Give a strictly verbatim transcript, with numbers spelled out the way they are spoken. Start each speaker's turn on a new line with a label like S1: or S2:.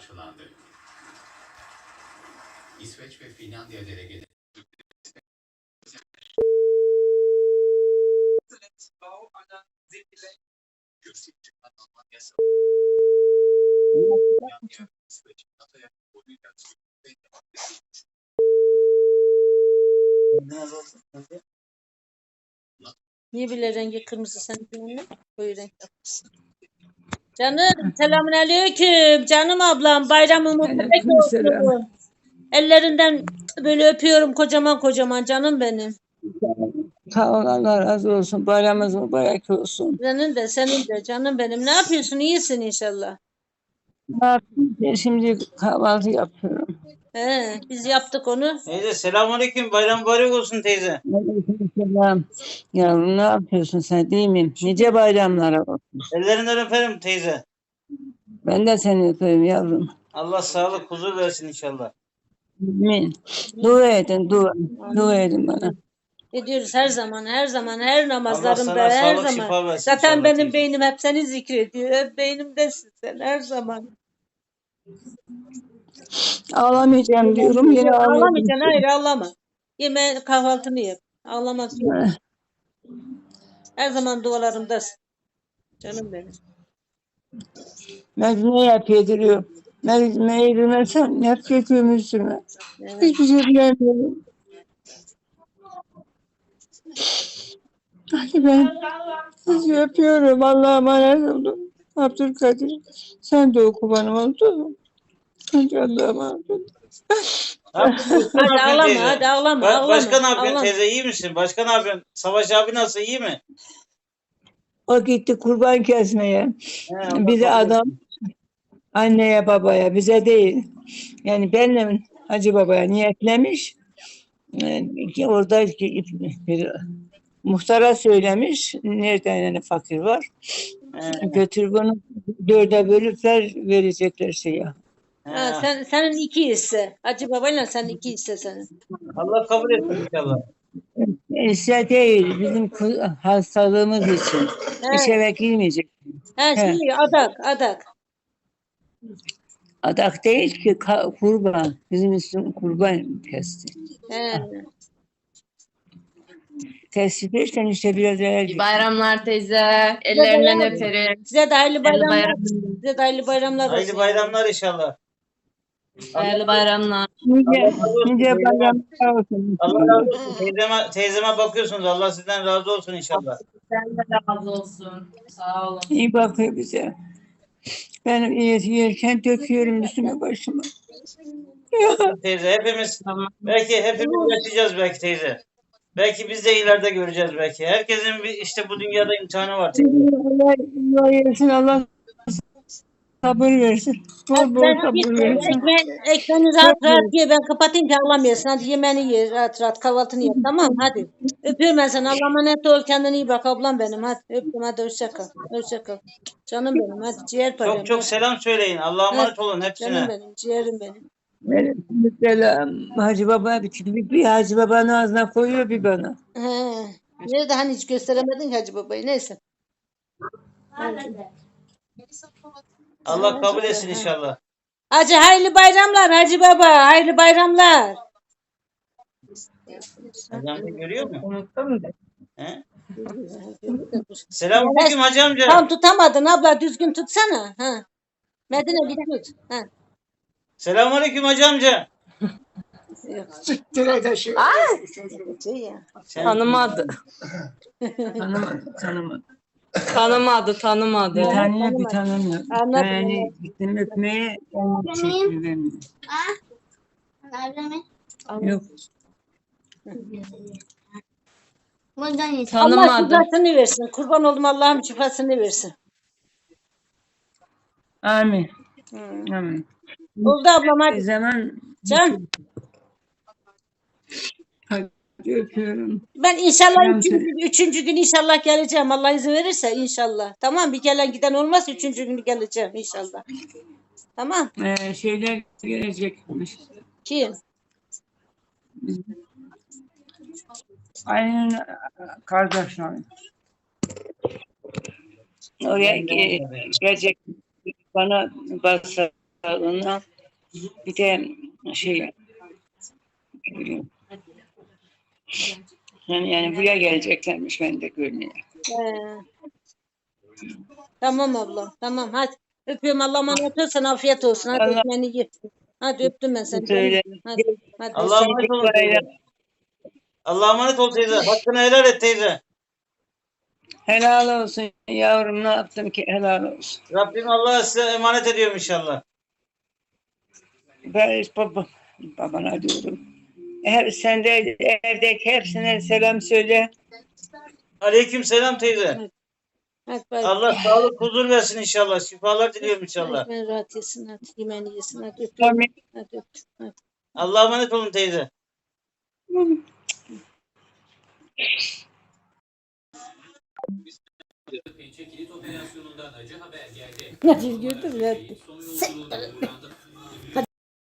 S1: karşılandı. İsveç ve Finlandiya delegeleri
S2: Niye bile rengi kırmızı senin önüne? Koyu renk yapmışsın. Canım selamünaleyküm. Canım ablam bayramın mübarek
S3: Aleykümselam.
S2: olsun. Ellerinden böyle öpüyorum kocaman kocaman canım benim.
S3: Sağ ol, Allah razı olsun. Bayramınız mübarek olsun.
S2: Senin de senin de canım benim. Ne yapıyorsun? İyisin inşallah.
S3: Ne yapayım? Ben şimdi kahvaltı yapıyorum.
S2: He, biz yaptık onu.
S4: Teyze selamünaleyküm. Bayram mübarek olsun teyze.
S3: Aleykümselam. Yavrum ne yapıyorsun sen, değil mi? Nice bayramlara olsun.
S4: Ellerinden öperim teyze.
S3: Ben de seni öpeyim yavrum.
S4: Allah sağlık, huzur versin inşallah.
S3: Amin. Dua edin, dua. Dua edin bana.
S2: Ediyoruz her zaman, her zaman, her
S4: Allah
S2: namazlarımda,
S4: sana
S2: her
S4: sağlık,
S2: zaman.
S4: şifa versin
S2: Zaten
S4: inşallah
S2: benim
S4: teyze.
S2: beynim hep seni zikrediyor. Hep beynimdesin sen her zaman.
S3: Ağlamayacağım diyorum, yine ağlıyorum.
S2: Ağlamayacaksın, hayır ağlama. Yeme kahvaltını yap. Ağlamak yok. Her zaman dualarımdasın. Canım benim.
S3: Mecnun'u yap yediriyor. Mecnun'u yedirmezsem hep götürüm üstüme.
S2: Evet.
S3: Hiçbir şey bilemiyorum. Hadi ben sizi öpüyorum. Allah'a emanet olun. Abdülkadir, sen de oku bana, oldu mu? Hadi Allah'a emanet olun.
S4: Ne yapıyorsun?
S2: Hadi
S4: Ne yapıyorsun
S2: ağlama,
S4: teyze?
S2: hadi ağlama,
S4: Ba-
S2: ağlama.
S4: Başka ne yapıyorsun
S2: ağlama.
S4: teyze? İyi misin? Başka ne yapıyorsun? Savaş abi nasıl? İyi mi?
S3: O gitti kurban kesmeye.
S4: He, Allah
S3: Bize
S4: kabul
S3: adam,
S4: etsin.
S3: anneye babaya, bize değil. Yani benle Hacı Baba'ya niyetlemiş. Ee, ki orada bir muhtara söylemiş. Nereden yani fakir var?
S4: He,
S3: Götür bunu dörde bölüp ver, verecekler şeye.
S4: he.
S2: Ha, sen, senin iki hisse. Hacı babayla sen iki hisse senin.
S4: Allah kabul etsin inşallah.
S3: İşte değil, bizim ku- hastalığımız için.
S2: He,
S3: İş eve girmeyecek.
S2: he, şey, adak, adak.
S3: Adak değil ki, ka- kurban. Bizim üstüm kurban kesti.
S2: He.
S3: Kesti derken işte biraz evvel
S5: İyi bayramlar teyze. Ellerinden öperim.
S2: Size de hayırlı
S5: Hayırlı
S2: bayramlar.
S5: bayramlar.
S2: Size de hayırlı bayramlar olsun.
S4: Hayırlı bayramlar inşallah.
S5: Hayırlı bayramlar.
S3: nice,
S4: Allah razı olsun
S3: nice
S4: teyzeme.
S3: bayramlar olsun.
S4: Allah razı olsun. Teyzeme, teyzeme bakıyorsunuz. Allah sizden razı olsun inşallah.
S5: Sen de razı olsun. Sağ olun.
S3: İyi bakıyor bize. Ben yer- yerken döküyorum üstüme başıma.
S4: Teyze hepimiz
S5: Tamam.
S4: belki hepimiz yaşayacağız belki teyze. Belki biz de ileride göreceğiz belki. Herkesin bir işte bu dünyada imtihanı var teyze.
S3: Allah, Allah versin, Allah sabır versin. Bol bol
S2: Sen
S3: sabır
S2: git
S3: versin.
S2: ekmeği, ekmeğini rahat rahat ye. Ben kapatayım ki ağlamayasın. Hadi yemeğini ye rahat rahat. Kahvaltını yap. Tamam hadi. Öpüyorum ben seni. Allah'a emanet ol. Kendine iyi bak ablam benim. Hadi öptüm. Hadi hoşça kal. Hoşça kal. Canım benim. Hadi ciğer param.
S4: Çok çok selam söyleyin. Allah'a emanet olun
S2: Canım
S4: hepsine.
S2: benim. Ciğerim benim.
S3: Mesela Hacı Baba bir, bir, bir Hacı Baba'nın ağzına koyuyor, bir bana.
S2: He. Nerede hani hiç gösteremedin ki Hacı babayı. Neyse.
S4: Allah kabul etsin inşallah.
S2: Hacı hayırlı bayramlar Hacı baba. Hayırlı bayramlar.
S4: Hacı amca görüyor mu?
S3: Unuttum da.
S4: He? Selamünaleyküm hacı amca.
S2: Tam tutamadın abla. Düzgün tutsana. Ha. Medine bir tut. Ha.
S4: Selamünaleyküm hacı amca.
S2: Yok. Şey ya.
S4: Sen,
S5: Tanımadı.
S3: Tanımadı, tanımadı.
S5: Tanımadı, tanımadı.
S3: Bir tanıyor,
S2: tanımadı.
S3: bir tanımıyor.
S2: Anladım,
S3: Yani gittim öpmeye, onu teşekkür edemiyorum. Yok.
S2: Allah
S5: Tanımadı.
S2: şifasını versin. Kurban oldum Allah'ım şifasını versin.
S3: Amin.
S2: Hı.
S3: Amin.
S2: Oldu ablam
S3: Bir
S2: hadi.
S3: zaman
S2: Can.
S3: hadi öpüyorum.
S2: Ben inşallah
S3: Selam
S2: üçüncü,
S3: söyle.
S2: üçüncü gün inşallah geleceğim. Allah izin verirse inşallah. Tamam bir gelen giden olmaz. Üçüncü günü geleceğim inşallah. Tamam.
S3: Ee, şeyler gelecekmiş.
S2: Kim?
S3: Aynen kardeşler. Oraya ge- gelecek, bana basa sağlığına. Bir de şey yani, yani buraya geleceklermiş ben de görmeye.
S2: He. Tamam ablam. Tamam hadi. Öpüyorum. Allah'a emanet ol. Sana afiyet olsun. Hadi
S3: Allah-
S2: ekmeğini ye. Hadi öptüm ben seni.
S3: Söyle.
S2: Hadi. Hadi.
S4: Allah'a emanet olun teyze. Allah'a emanet ol teyze. Hakkını helal et teyze.
S3: Helal olsun yavrum, ne yaptım ki helal olsun.
S4: Rabbim Allah'a size emanet ediyorum inşallah.
S3: Ben baba, babana diyorum. Her, sen de evdeki hepsine selam söyle.
S4: Aleyküm selam teyze.
S2: Hadi bay.
S4: Allah sağlık huzur versin inşallah. Şifalar diliyorum inşallah.
S2: Ekmeğini rahat yesin. Hadi. Yemeğini yesin. Hadi öpüyorum.
S3: Amin.
S2: Hadi öptüm. Hadi.
S4: Allah'a emanet olun teyze.
S1: Pençe kilit operasyonundan acı haber geldi.
S2: Hadi gördün mü?
S1: Son yolculuğunda uğrandı.